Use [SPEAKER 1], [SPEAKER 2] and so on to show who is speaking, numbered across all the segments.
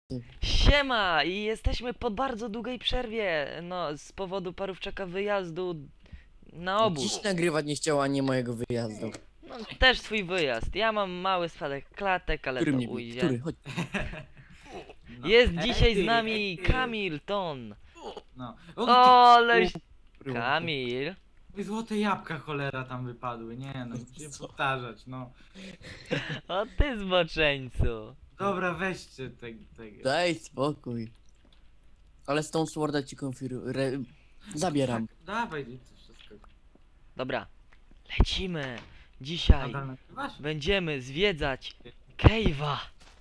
[SPEAKER 1] Siema! I jesteśmy po bardzo długiej przerwie, no z powodu Parówczaka wyjazdu na obóz.
[SPEAKER 2] Dziś nagrywać nie chciała, nie mojego wyjazdu.
[SPEAKER 1] No też swój wyjazd. Ja mam mały spadek klatek, ale
[SPEAKER 2] Który
[SPEAKER 1] to
[SPEAKER 2] mnie bije?
[SPEAKER 1] ujdzie.
[SPEAKER 2] Który? Chodź.
[SPEAKER 3] No.
[SPEAKER 1] Jest dzisiaj z
[SPEAKER 3] ty,
[SPEAKER 1] nami
[SPEAKER 3] ty.
[SPEAKER 1] Kamilton.
[SPEAKER 3] No.
[SPEAKER 1] O, aleś...
[SPEAKER 2] Było.
[SPEAKER 1] Kamil.
[SPEAKER 3] I złote jabłka cholera tam wypadły, nie no, muszę
[SPEAKER 2] Co?
[SPEAKER 3] powtarzać, no.
[SPEAKER 1] O ty zboczeńcu.
[SPEAKER 3] Dobra, weźcie tego.
[SPEAKER 2] Daj spokój. Ale z tą sworda ci zabieram.
[SPEAKER 3] Dawaj, i to wszystko.
[SPEAKER 1] Dobra, lecimy. Dzisiaj
[SPEAKER 3] Nadal nagrywasz?
[SPEAKER 1] będziemy zwiedzać Cave'a.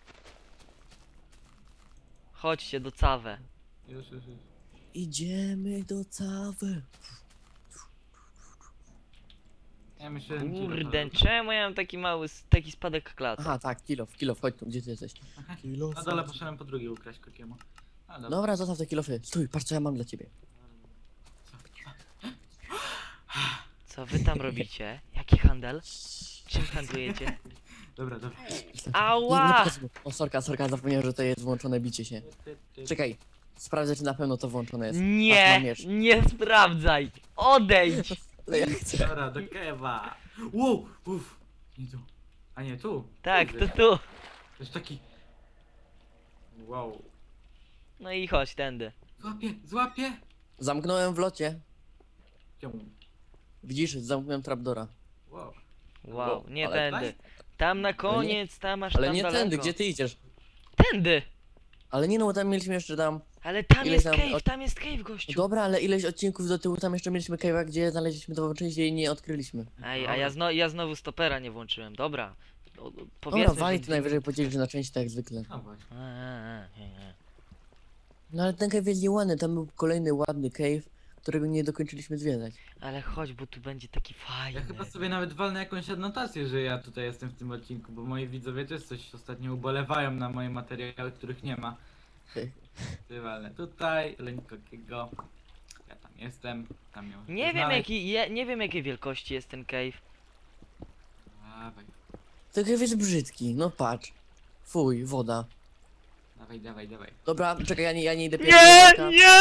[SPEAKER 1] Chodźcie do Cawę.
[SPEAKER 3] Już.
[SPEAKER 2] Idziemy do Cawy.
[SPEAKER 3] Ja myślałem,
[SPEAKER 1] Kurde, czemu ja mam taki mały, taki spadek klatek?
[SPEAKER 2] Aha, tak, kilof, chodź tu, gdzie ty jesteś? Kilof.
[SPEAKER 3] Na dole poszedłem po drugie ukraść kokiemu. A dobra.
[SPEAKER 2] Dobra, zostaw te kilofy. Stój, patrz co ja mam dla ciebie.
[SPEAKER 1] Co wy tam robicie? Jaki handel? Czym handlujecie?
[SPEAKER 3] Dobra.
[SPEAKER 2] Nie
[SPEAKER 1] Ała!
[SPEAKER 2] pokazuj. O, sorka, zapomniałem, że to jest włączone bicie się. Czekaj, sprawdzę czy na pewno to włączone jest. Patrz, mam
[SPEAKER 1] Nie,
[SPEAKER 2] miecz.
[SPEAKER 1] nie sprawdzaj! Odejdź!
[SPEAKER 2] Ale ja chcę.
[SPEAKER 3] Dobra, do kewa. Wow, uff. Nie tu. A nie tu.
[SPEAKER 1] Tak,
[SPEAKER 3] Kurde.
[SPEAKER 1] to tu.
[SPEAKER 3] To jest taki... Wow.
[SPEAKER 1] No i chodź tędy.
[SPEAKER 3] Złapię.
[SPEAKER 2] Zamknąłem w locie.
[SPEAKER 3] Czemu?
[SPEAKER 2] Widzisz, zamknąłem trapdora.
[SPEAKER 3] Wow.
[SPEAKER 1] Wow, nie
[SPEAKER 2] ale
[SPEAKER 1] tędy. Tam na koniec, tam aż
[SPEAKER 2] Ale
[SPEAKER 1] tam
[SPEAKER 2] nie
[SPEAKER 1] daleko.
[SPEAKER 2] tędy, gdzie ty idziesz?
[SPEAKER 1] Tędy!
[SPEAKER 2] Ale nie no, bo tam mieliśmy jeszcze tam...
[SPEAKER 1] Ale tam
[SPEAKER 2] Ile
[SPEAKER 1] jest
[SPEAKER 2] tam
[SPEAKER 1] cave,
[SPEAKER 2] od-
[SPEAKER 1] tam jest cave,
[SPEAKER 2] No
[SPEAKER 1] gościu.
[SPEAKER 2] dobra, ale ileś odcinków do tyłu tam jeszcze mieliśmy cave'a, gdzie znaleźliśmy to część i nie odkryliśmy.
[SPEAKER 1] Ej, a ja znowu stopera nie włączyłem, dobra.
[SPEAKER 2] Dobra,
[SPEAKER 1] Powiedzmy,
[SPEAKER 2] wali
[SPEAKER 1] że...
[SPEAKER 2] ty najwyżej podzielisz na części tak jak zwykle.
[SPEAKER 3] No właśnie.
[SPEAKER 1] Nie.
[SPEAKER 2] No ale ten cave jest nieładny, tam był kolejny ładny cave, którego nie dokończyliśmy zwiedzać.
[SPEAKER 1] Ale chodź, bo tu będzie taki fajny.
[SPEAKER 3] Ja chyba sobie nawet walnę jakąś adnotację, że ja tutaj jestem w tym odcinku, bo moi widzowie też coś ostatnio ubolewają na moje materiały, których nie ma. Walnę tutaj, Lenkokiego. Ja tam jestem, tam miał.
[SPEAKER 1] Nie wiem jakiej wielkości jest ten cave.
[SPEAKER 3] Dawaj,
[SPEAKER 2] Ten cave jest brzydki, no patrz. Fuj, woda.
[SPEAKER 3] dawaj.
[SPEAKER 2] Dobra, czekaj, ja nie idę
[SPEAKER 1] Nie!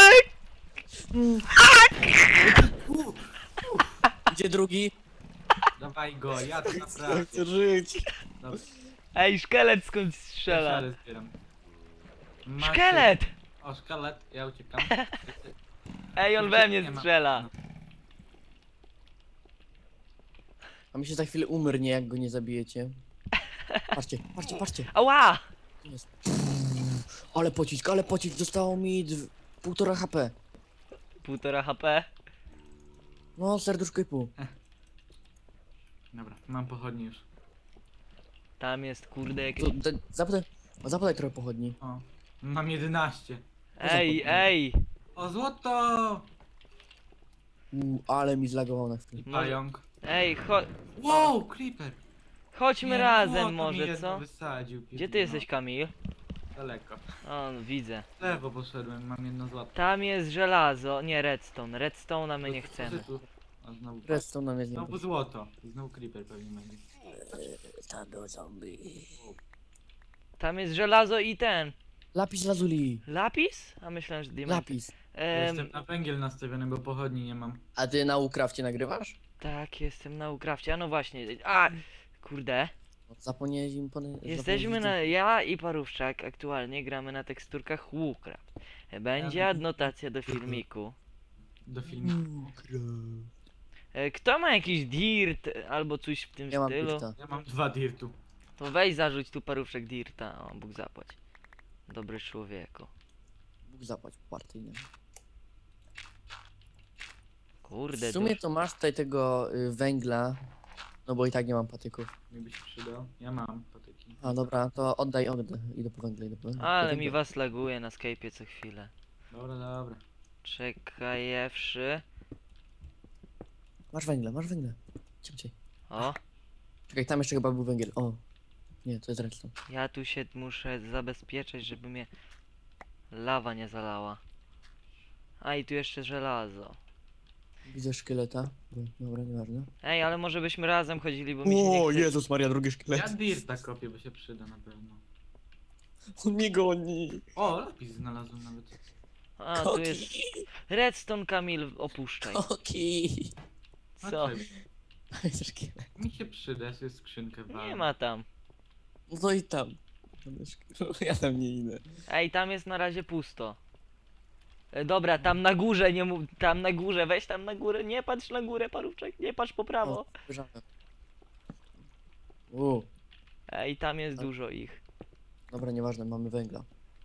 [SPEAKER 2] Gdzie drugi?
[SPEAKER 3] Dawaj go, ja to naprawdę.
[SPEAKER 2] Chcę żyć.
[SPEAKER 3] Dobra,
[SPEAKER 1] Ej, szkielet skąd
[SPEAKER 3] ja
[SPEAKER 1] strzela?
[SPEAKER 3] szale zbieram. Macie-
[SPEAKER 1] Szkielet!
[SPEAKER 3] O, szkielet, ja uciekam.
[SPEAKER 1] Ej, on we mnie strzela.
[SPEAKER 2] A mi się za chwilę umrnie, jak go nie zabijecie. Patrzcie.
[SPEAKER 1] Ała!
[SPEAKER 2] Tu jest. Ale pocisk, zostało mi 1,5 HP.
[SPEAKER 1] 1,5 HP.
[SPEAKER 2] No, serduszko i pół.
[SPEAKER 3] Dobra, mam pochodnie już.
[SPEAKER 1] Tam jest kurde jakieś...
[SPEAKER 2] Zapodaj trochę pochodni.
[SPEAKER 3] O, mam 11.
[SPEAKER 1] Ej!
[SPEAKER 3] O, złoto!
[SPEAKER 2] Ale mi zlagował na chwilę.
[SPEAKER 3] Pająk.
[SPEAKER 1] Ej,
[SPEAKER 3] Wow, creeper!
[SPEAKER 1] chodźmy
[SPEAKER 3] Nie,
[SPEAKER 1] razem
[SPEAKER 3] złoto mi
[SPEAKER 1] może,
[SPEAKER 3] jedno
[SPEAKER 1] co?
[SPEAKER 3] Wysadził,
[SPEAKER 1] Gdzie ty jesteś, Kamil?
[SPEAKER 3] Daleko.
[SPEAKER 1] O, no, widzę.
[SPEAKER 3] W lewo poszedłem, mam jedno złoto.
[SPEAKER 1] Tam jest żelazo, nie redstone. Redstone'a my nie
[SPEAKER 3] Co
[SPEAKER 1] chcemy.
[SPEAKER 3] tu? O, znowu,
[SPEAKER 2] Resztą nam jest nie
[SPEAKER 3] znowu złoto. I znowu creeper pewnie będzie.
[SPEAKER 2] Tam był zombie.
[SPEAKER 1] Tam jest żelazo i ten.
[SPEAKER 2] Lapis lazuli.
[SPEAKER 1] Lapis? A myślałem, że diament.
[SPEAKER 2] Lapis.
[SPEAKER 3] Jestem na węgiel nastawiony, bo pochodni nie mam.
[SPEAKER 2] A ty na Ukrafcie nagrywasz?
[SPEAKER 1] Tak, jestem na Ukrafcie. A no właśnie. A! Kurde.
[SPEAKER 2] Zapomniałeś im
[SPEAKER 1] Jesteśmy na... Ja i Parówczak aktualnie gramy na teksturkach Woocraft. Będzie
[SPEAKER 3] Ja-
[SPEAKER 1] adnotacja do filmiku.
[SPEAKER 3] Do filmu.
[SPEAKER 1] Kto ma jakiś dirt albo coś w tym
[SPEAKER 2] Ja mam
[SPEAKER 1] stylu?
[SPEAKER 2] pifta.
[SPEAKER 3] Ja mam 2 dirtu.
[SPEAKER 1] To weź zarzuć tu Parówczak dirta. O, Bóg zapłać. Dobry człowieku.
[SPEAKER 2] Bóg zapłać partyjnie.
[SPEAKER 1] Kurde,
[SPEAKER 2] W sumie to masz tutaj tego węgla. No bo i tak nie mam patyków.
[SPEAKER 3] Mi by się przydał. Ja mam patyki.
[SPEAKER 2] A dobra, to oddaj. Idę po węgle.
[SPEAKER 1] Ale mi was laguje na Skype'ie co chwilę.
[SPEAKER 3] Dobra.
[SPEAKER 1] Czekajewszy.
[SPEAKER 2] Masz węgle. Szybciej.
[SPEAKER 1] O,
[SPEAKER 2] Czekaj, tam jeszcze chyba był węgiel. O. Nie, to jest redstone.
[SPEAKER 1] ja tu się muszę zabezpieczać, żeby mnie lawa nie zalała. A i tu jeszcze żelazo.
[SPEAKER 2] Widzę szkieleta. Dobra, nieważne.
[SPEAKER 1] Ej, ale może byśmy razem chodzili, bo mi się nie chce.
[SPEAKER 2] Jezus Maria, drugi
[SPEAKER 3] Ja
[SPEAKER 2] szkielet.
[SPEAKER 3] dirta kopię, bo się przyda na pewno.
[SPEAKER 2] On mnie goni.
[SPEAKER 3] O, lapis znalazłem nawet.
[SPEAKER 1] A, tu jest
[SPEAKER 2] Koki.
[SPEAKER 1] redstone, Kamil, opuszczaj.
[SPEAKER 2] Koki.
[SPEAKER 3] A
[SPEAKER 1] Co?
[SPEAKER 3] czekaj, mi się przyda, jest skrzynkę
[SPEAKER 1] Nie
[SPEAKER 3] walę.
[SPEAKER 1] ma tam.
[SPEAKER 2] No i tam. Ja tam nie idę.
[SPEAKER 1] Ej, tam jest na razie pusto. Dobra, tam na górze, nie mów, tam na górze, weź tam na górę, nie patrz na górę, parówczek, nie patrz po prawo.
[SPEAKER 2] O, spojrzałem.
[SPEAKER 1] Ej, tam jest dużo ich.
[SPEAKER 2] Dobra, nieważne, mamy węgla.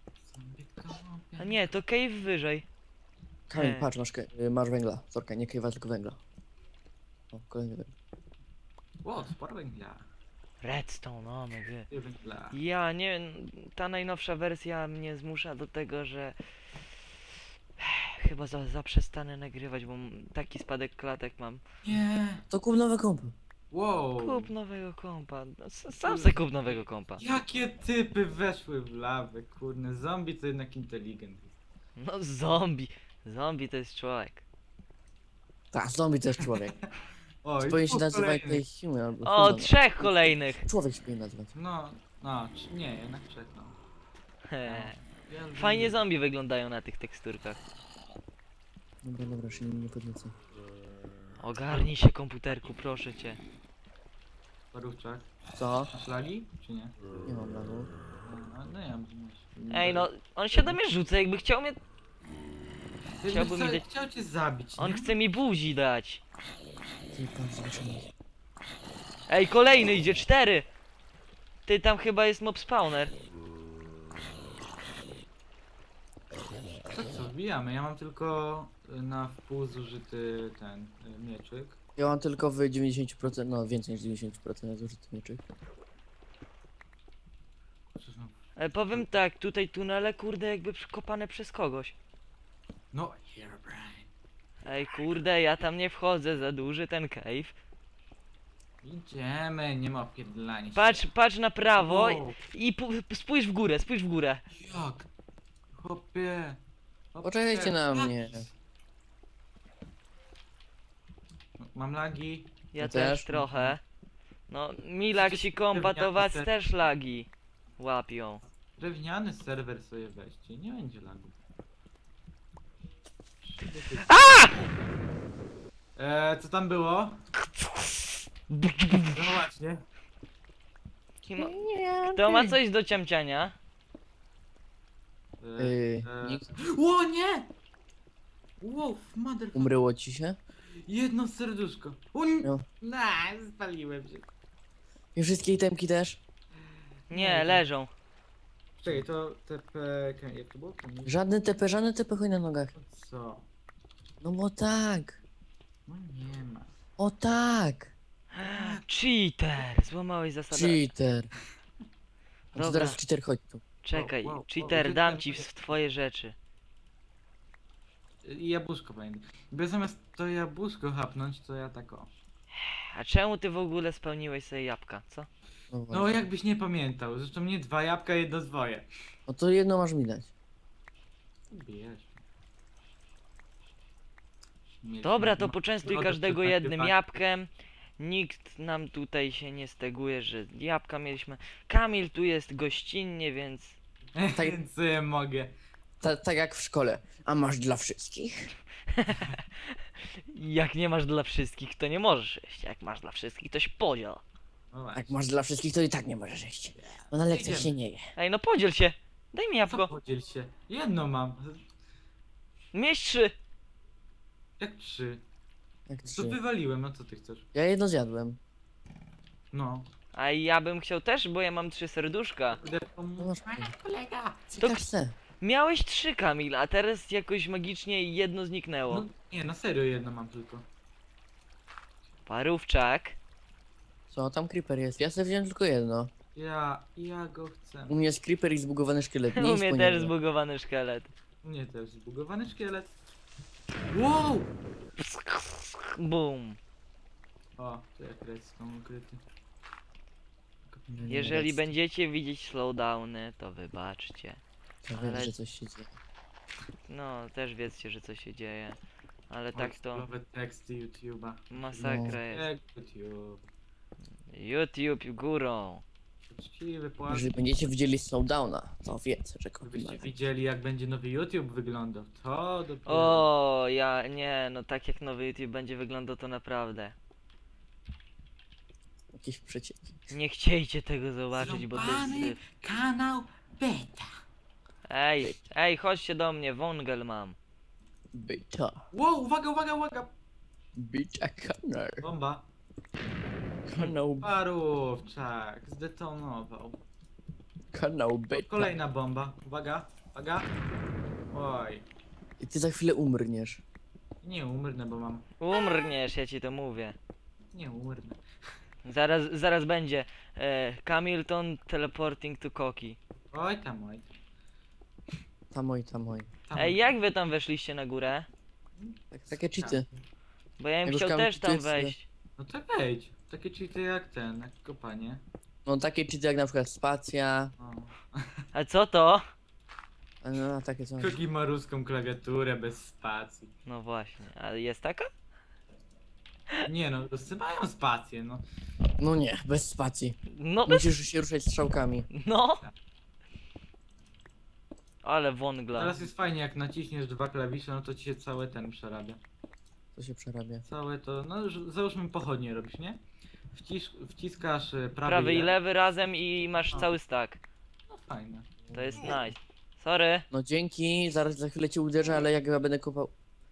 [SPEAKER 1] A nie, to cave wyżej.
[SPEAKER 2] Kamil, patrz, masz węgla. Sorka, nie kejwa, tylko węgla. O, kolejny węgla.
[SPEAKER 3] O, sporo węgla.
[SPEAKER 1] Redstone, no mówię.
[SPEAKER 3] Ty węgla.
[SPEAKER 1] Ja nie, ta najnowsza wersja mnie zmusza do tego, że chyba zaprzestanę nagrywać, bo taki spadek klatek mam.
[SPEAKER 3] Nie.
[SPEAKER 2] To kup nowe kompy.
[SPEAKER 3] Wow.
[SPEAKER 1] Kup nowego kompa, no, sam se kup nowego kompa.
[SPEAKER 3] Jakie typy weszły w lawę, kurne. Zombie to jednak inteligent.
[SPEAKER 1] No zombie, zombie to jest człowiek.
[SPEAKER 2] Tak, zombie to jest człowiek.
[SPEAKER 3] O, i
[SPEAKER 2] Powinien się
[SPEAKER 3] dwóch
[SPEAKER 2] nazywać
[SPEAKER 3] kolejnych.
[SPEAKER 2] tutaj human albo
[SPEAKER 1] O,
[SPEAKER 2] human.
[SPEAKER 1] 3 kolejnych.
[SPEAKER 2] Człowiek się powinien nazywać.
[SPEAKER 3] No, nie, jednak trzech, no. Ja
[SPEAKER 1] Fajnie
[SPEAKER 3] lubię
[SPEAKER 1] zombie wyglądają na tych teksturkach.
[SPEAKER 2] Dobra, się nie podniecę.
[SPEAKER 1] Ogarnij się komputerku, proszę cię.
[SPEAKER 3] Parówczak.
[SPEAKER 2] Co?
[SPEAKER 3] Masz lagi, czy nie?
[SPEAKER 2] Nie mam lagu.
[SPEAKER 3] No ja mam.
[SPEAKER 1] Ej no, on się do mnie rzuca, jakby chciał mnie... chciałbym mi dać-
[SPEAKER 3] Chciał cię zabić,
[SPEAKER 1] On
[SPEAKER 3] nie?
[SPEAKER 1] chce mi buzi dać.
[SPEAKER 2] Ty pan zobaczymy.
[SPEAKER 1] Ej, kolejny idzie, 4! Ty, tam chyba jest mob spawner.
[SPEAKER 3] To co, wbijamy. Ja mam tylko na wpół zużyty ten mieczyk.
[SPEAKER 2] Ja mam tylko w 90%, no więcej niż 90% zużyty mieczyk.
[SPEAKER 3] Co są?
[SPEAKER 1] Powiem tak, tutaj tunele, kurde, jakby przekopane przez kogoś.
[SPEAKER 3] No, Herobrine.
[SPEAKER 1] Ej, kurde, ja tam nie wchodzę, za duży ten cave.
[SPEAKER 3] Idziemy, nie ma opierdlania się.
[SPEAKER 1] Patrz na prawo
[SPEAKER 3] Wow,
[SPEAKER 1] i spójrz w górę, spójrz w górę.
[SPEAKER 3] jak? Chłopie. Chłopie.
[SPEAKER 2] Poczekajcie na
[SPEAKER 3] Jak?
[SPEAKER 2] mnie.
[SPEAKER 3] Mam lagi.
[SPEAKER 1] Ja
[SPEAKER 2] Ja
[SPEAKER 1] też
[SPEAKER 2] też.
[SPEAKER 1] trochę. No, Milaksi kompa to was też lagi łapią.
[SPEAKER 3] Drewniany serwer sobie weźcie, nie będzie lagu. Co tam było? No właśnie.
[SPEAKER 1] Kto ma coś do ciamciania?
[SPEAKER 2] Nikt.
[SPEAKER 3] O nie! Wow, mother.
[SPEAKER 2] Umryło ci się?
[SPEAKER 3] Jedno serduszko.
[SPEAKER 2] No.
[SPEAKER 3] Spaliłem się.
[SPEAKER 2] I wszystkie itemki też?
[SPEAKER 1] Nie, leżą.
[SPEAKER 3] Czekaj, to TP... Jak to było?
[SPEAKER 2] Żadne TP, chuj na nogach.
[SPEAKER 3] Co?
[SPEAKER 2] No bo tak.
[SPEAKER 3] No nie ma.
[SPEAKER 2] O tak.
[SPEAKER 1] Cheater! Złamałeś zasadę.
[SPEAKER 2] Cheater. A to
[SPEAKER 1] Dobra.
[SPEAKER 2] teraz cheater, chodź tu.
[SPEAKER 1] Czekaj,
[SPEAKER 3] Wow, wow,
[SPEAKER 1] cheater,
[SPEAKER 3] wow.
[SPEAKER 1] dam ci w twoje rzeczy.
[SPEAKER 3] I jabłuszko będę. By zamiast to jabłuszko hapnąć, to ja tak o.
[SPEAKER 1] A czemu ty w ogóle spełniłeś sobie jabłka, co?
[SPEAKER 2] No,
[SPEAKER 3] No
[SPEAKER 2] właśnie.
[SPEAKER 3] jakbyś nie pamiętał. Zresztą nie 2 jabłka, jedno zwoje.
[SPEAKER 2] No to jedno masz mi dać.
[SPEAKER 3] Bierz.
[SPEAKER 1] Dobra, to poczęstuj
[SPEAKER 3] No,
[SPEAKER 1] każdego
[SPEAKER 3] to
[SPEAKER 1] jednym
[SPEAKER 3] tak.
[SPEAKER 1] jabłkiem. Nikt nam tutaj się nie steguje, że jabłka mieliśmy. Kamil tu jest gościnnie, więc...
[SPEAKER 2] Tak-
[SPEAKER 3] Więc co ja mogę.
[SPEAKER 2] Tak jak w szkole. A masz dla wszystkich?
[SPEAKER 1] Jak nie masz dla wszystkich, to nie możesz jeść. Jak masz dla wszystkich, to się podziel.
[SPEAKER 3] No właśnie.
[SPEAKER 2] Jak masz dla wszystkich, to i tak nie możesz jeść. Bo na lekcjach
[SPEAKER 3] Idziemy.
[SPEAKER 2] się nie je.
[SPEAKER 1] Ej, no podziel się. Daj mi
[SPEAKER 3] Co
[SPEAKER 1] jabłko.
[SPEAKER 3] podziel się? Jedno mam.
[SPEAKER 1] Mieść 3.
[SPEAKER 3] Jak 3?
[SPEAKER 2] Jak
[SPEAKER 3] To
[SPEAKER 2] trzy.
[SPEAKER 3] wywaliłem, no co ty chcesz?
[SPEAKER 2] Ja jedno zjadłem.
[SPEAKER 3] No.
[SPEAKER 1] A ja bym chciał też, bo ja mam 3 serduszka.
[SPEAKER 2] No masz
[SPEAKER 3] kolega.
[SPEAKER 2] Co
[SPEAKER 1] To-
[SPEAKER 2] chce?
[SPEAKER 1] Miałeś 3, Kamil, a teraz jakoś magicznie jedno zniknęło.
[SPEAKER 3] No nie, na serio jedno mam tylko.
[SPEAKER 1] Parówczak.
[SPEAKER 2] Co, tam creeper jest. Ja sobie wziąłem tylko jedno.
[SPEAKER 3] Ja go chcę.
[SPEAKER 2] U mnie jest creeper i zbugowany szkielet. Nie
[SPEAKER 1] U
[SPEAKER 2] idź
[SPEAKER 1] mnie
[SPEAKER 2] po
[SPEAKER 1] też
[SPEAKER 2] niego.
[SPEAKER 1] zbugowany szkielet.
[SPEAKER 3] U mnie też zbugowany szkielet. Wow!
[SPEAKER 1] Boom.
[SPEAKER 3] O, to jak redstone ukryty.
[SPEAKER 2] Nie, nie,
[SPEAKER 1] Jeżeli
[SPEAKER 2] jest.
[SPEAKER 1] będziecie widzieć slowdowny, to wybaczcie.
[SPEAKER 2] Ja wiem,
[SPEAKER 1] ale-
[SPEAKER 2] że coś się dzieje.
[SPEAKER 1] No, też wiedzcie, że coś się dzieje. Ale tak to
[SPEAKER 3] Nowe teksty YouTube'a.
[SPEAKER 1] masakra
[SPEAKER 2] No.
[SPEAKER 1] jest.
[SPEAKER 3] Jak YouTube.
[SPEAKER 1] YouTube górą.
[SPEAKER 3] Uczciwy płat.
[SPEAKER 2] Jeżeli będziecie widzieli Slowdowna, to wiedzę, że Koki ma
[SPEAKER 3] Gdybyście
[SPEAKER 2] rację.
[SPEAKER 3] widzieli jak będzie nowy YouTube wyglądał, to dopiero...
[SPEAKER 1] O, ja nie, no tak jak nowy YouTube będzie wyglądał, to naprawdę.
[SPEAKER 2] Jakieś przecieki.
[SPEAKER 1] Nie chciejcie tego zobaczyć, bo to jest
[SPEAKER 3] Zrąbany
[SPEAKER 1] syf.
[SPEAKER 3] kanał beta.
[SPEAKER 1] Ej, chodźcie do mnie, wągel mam.
[SPEAKER 2] Beta.
[SPEAKER 3] Wow, uwaga, uwaga, uwaga!
[SPEAKER 2] Beta kanał.
[SPEAKER 3] Bomba.
[SPEAKER 2] Kanał,
[SPEAKER 3] Parówczak zdetonował.
[SPEAKER 2] kanał beta.
[SPEAKER 3] Kolejna bomba. Uwaga, uwaga. Oj,
[SPEAKER 2] I ty za chwilę umrniesz.
[SPEAKER 3] nie umrnę, bo mam...
[SPEAKER 1] Umrniesz, ja ci to mówię.
[SPEAKER 3] Nie umrnę.
[SPEAKER 1] Zaraz będzie. Camilton teleporting to Koki.
[SPEAKER 3] Oj tam, oj.
[SPEAKER 2] Tamoj, tamoj.
[SPEAKER 3] Tam.
[SPEAKER 1] Ej, jak wy tam weszliście na górę?
[SPEAKER 2] Takie cheaty.
[SPEAKER 1] Bo ja bym
[SPEAKER 2] Jak już
[SPEAKER 1] chciał też tam
[SPEAKER 2] Camilton jest,
[SPEAKER 1] wejść.
[SPEAKER 3] No to wejdź. Takie cheaty jak ten, jak kopanie.
[SPEAKER 2] No takie cheaty jak na przykład spacja.
[SPEAKER 3] O.
[SPEAKER 1] A co to?
[SPEAKER 2] No takie coś.
[SPEAKER 3] Kogi ma ruską klawiaturę bez spacji.
[SPEAKER 1] No właśnie, a jest taka?
[SPEAKER 3] Nie no, ruscy mają spację, no.
[SPEAKER 2] No nie, bez spacji.
[SPEAKER 1] No bez...
[SPEAKER 2] Musisz się ruszać strzałkami.
[SPEAKER 1] No! Ale wągla.
[SPEAKER 3] Teraz jest fajnie, jak naciśniesz dwa klawisze, no to ci się cały ten przerabia.
[SPEAKER 2] To się przerabia.
[SPEAKER 3] Całe to, no załóżmy pochodnie robisz, nie? Wciskasz
[SPEAKER 1] Prawy i lewy razem i masz
[SPEAKER 3] O.
[SPEAKER 1] cały stack.
[SPEAKER 3] No fajne.
[SPEAKER 1] To jest nice. Sorry.
[SPEAKER 2] No dzięki, zaraz za chwilę cię uderzę, ale jak ja będę kopał...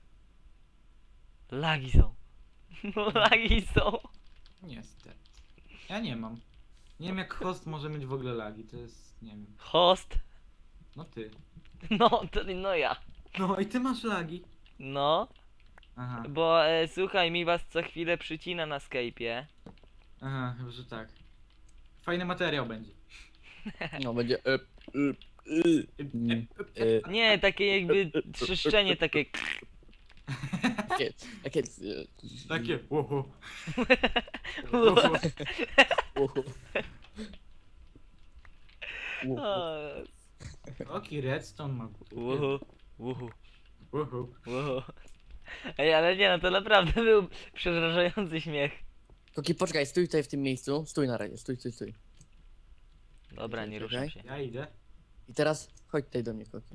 [SPEAKER 1] Lagi są. No lagi są.
[SPEAKER 3] Niestety. Ja nie mam. Nie wiem jak host może mieć w ogóle lagi, to jest, nie wiem.
[SPEAKER 1] Host.
[SPEAKER 3] No ty.
[SPEAKER 1] No ja.
[SPEAKER 3] No i ty masz lagi.
[SPEAKER 1] No,
[SPEAKER 3] Aha,
[SPEAKER 1] bo słuchaj, mi was co chwilę przycina na Skype'ie.
[SPEAKER 3] aha, chyba że tak. Fajny materiał będzie.
[SPEAKER 2] No będzie...
[SPEAKER 1] Nie, takie jakby trzeszczenie takie.
[SPEAKER 2] Takie... Takie...
[SPEAKER 3] Takie, uhu.
[SPEAKER 1] O,
[SPEAKER 3] Oki redstone ma.
[SPEAKER 1] Uhu, uhu,
[SPEAKER 3] Uhu.
[SPEAKER 1] uhu. Ej, ale nie no, to naprawdę był przerażający śmiech.
[SPEAKER 2] Koki, poczekaj, stój tutaj w tym miejscu. Stój na razie, stój.
[SPEAKER 1] Dobra, nie ruszam
[SPEAKER 2] Czekaj.
[SPEAKER 1] się.
[SPEAKER 3] Ja idę.
[SPEAKER 2] I teraz chodź tutaj do mnie, Koki.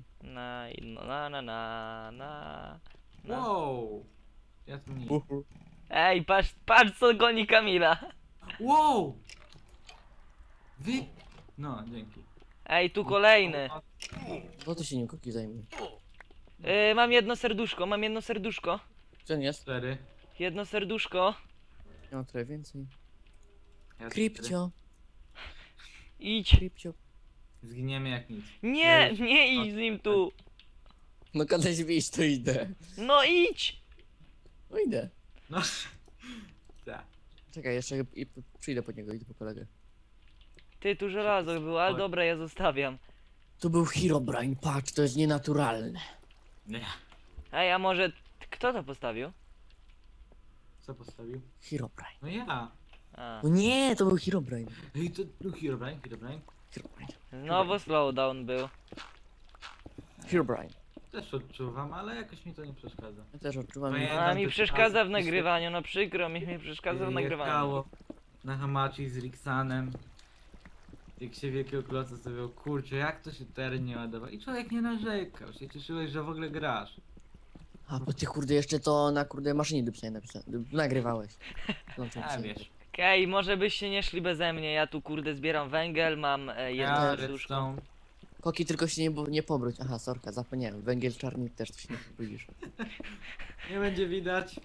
[SPEAKER 1] Na.
[SPEAKER 3] Wow. Ja tu nie.
[SPEAKER 1] Ej, patrz co goni Kamila.
[SPEAKER 3] Wow! Wy... No, dzięki.
[SPEAKER 1] Ej, tu kolejny.
[SPEAKER 2] No to się nim Koki zajmie.
[SPEAKER 1] Mam jedno serduszko.
[SPEAKER 2] Co jest?
[SPEAKER 3] 4.
[SPEAKER 1] Jedno serduszko.
[SPEAKER 2] Ja mam trochę więcej.
[SPEAKER 3] Ja
[SPEAKER 2] Kripcio,
[SPEAKER 1] Idź.
[SPEAKER 2] kripcio.
[SPEAKER 3] Zginiemy jak nic.
[SPEAKER 1] Nie idź z nim tu.
[SPEAKER 2] No kazać wyjść, to idę.
[SPEAKER 1] No idź.
[SPEAKER 2] No idę.
[SPEAKER 3] No. Tak.
[SPEAKER 2] Czekaj, jeszcze przyjdę po niego, idę po kolegę.
[SPEAKER 1] Ty, tu żelazo było, ale dobra, ja zostawiam.
[SPEAKER 2] Tu był Herobrine, patrz, to jest nienaturalne.
[SPEAKER 3] Nie.
[SPEAKER 1] Ej, a może... Kto to postawił?
[SPEAKER 3] Co postawił?
[SPEAKER 2] Herobrine.
[SPEAKER 3] No ja.
[SPEAKER 1] A.
[SPEAKER 2] No nie, to był Herobrine.
[SPEAKER 3] Ej, to był Herobrine.
[SPEAKER 2] Herobrine.
[SPEAKER 1] Znowu slowdown był.
[SPEAKER 2] Herobrine.
[SPEAKER 3] Też odczuwam, ale jakoś mi to nie przeszkadza.
[SPEAKER 2] Ja też odczuwam.
[SPEAKER 3] No
[SPEAKER 1] A
[SPEAKER 3] Jeden
[SPEAKER 1] mi
[SPEAKER 3] to
[SPEAKER 1] przeszkadza w
[SPEAKER 3] czas-
[SPEAKER 1] nagrywaniu, no przykro mi przeszkadza w nagrywaniu.
[SPEAKER 3] Jechało na Hamachi z Rixanem. Jak się wielkiego kloca stawiał, kurczę, jak to się teren nie ładował. I człowiek nie narzekał, się cieszyłeś, że w ogóle grasz.
[SPEAKER 2] A, bo ty kurde jeszcze to na kurde maszynie do pisania nagrywałeś. No, to
[SPEAKER 3] A
[SPEAKER 2] pisanie.
[SPEAKER 3] wiesz.
[SPEAKER 1] Okej, może byście nie szli beze mnie, ja tu kurde zbieram węgiel, mam jedno
[SPEAKER 3] Ja
[SPEAKER 1] serduszko.
[SPEAKER 3] redstone.
[SPEAKER 2] Koki, tylko się nie pobróć. Aha, sorka, zapomniałem. Węgiel czarny też to się nie pobrudzisz.
[SPEAKER 3] Nie będzie widać.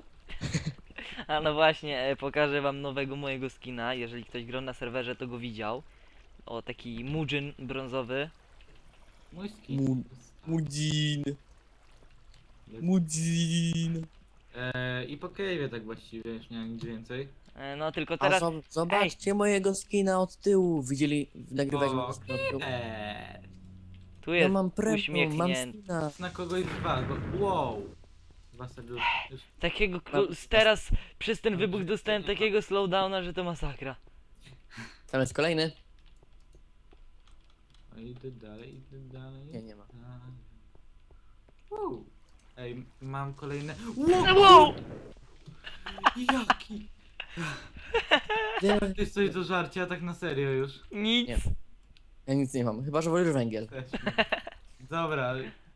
[SPEAKER 1] A no właśnie, pokażę wam nowego mojego skina, jeżeli ktoś grał na serwerze to go widział. O, taki Mudzin brązowy.
[SPEAKER 3] Mój skin.
[SPEAKER 2] Mudzin.
[SPEAKER 3] Jest.
[SPEAKER 2] Mudzin.
[SPEAKER 3] I po cave'ie tak właściwie, już nie ma nic więcej.
[SPEAKER 1] No tylko
[SPEAKER 2] A
[SPEAKER 1] teraz...
[SPEAKER 2] zobaczcie mojego skina od tyłu. Widzieli, nagrywałeś
[SPEAKER 3] O,
[SPEAKER 2] mojego skina od tyłu.
[SPEAKER 1] Tu
[SPEAKER 2] Ja
[SPEAKER 1] jest
[SPEAKER 2] mam premium, mam
[SPEAKER 1] uśmiechnięty.
[SPEAKER 2] skina.
[SPEAKER 3] Na kogoś dwa, bo... Wow! Dwa serduszka. Już.
[SPEAKER 1] Takiego...
[SPEAKER 2] Mam-
[SPEAKER 1] Teraz przez ten wybuch dostałem takiego slowdowna, że to masakra.
[SPEAKER 2] Tam jest kolejny.
[SPEAKER 3] O, idę dalej.
[SPEAKER 2] Nie, nie ma.
[SPEAKER 3] Wow. Ej, mam kolejne...
[SPEAKER 1] Wow!
[SPEAKER 3] Jaki?
[SPEAKER 2] Nie,
[SPEAKER 3] Jest coś do żarcia, tak na serio już.
[SPEAKER 1] Nic.
[SPEAKER 2] Nie. ja nic nie mam, chyba że wolisz węgiel.
[SPEAKER 3] Też nie. Dobra,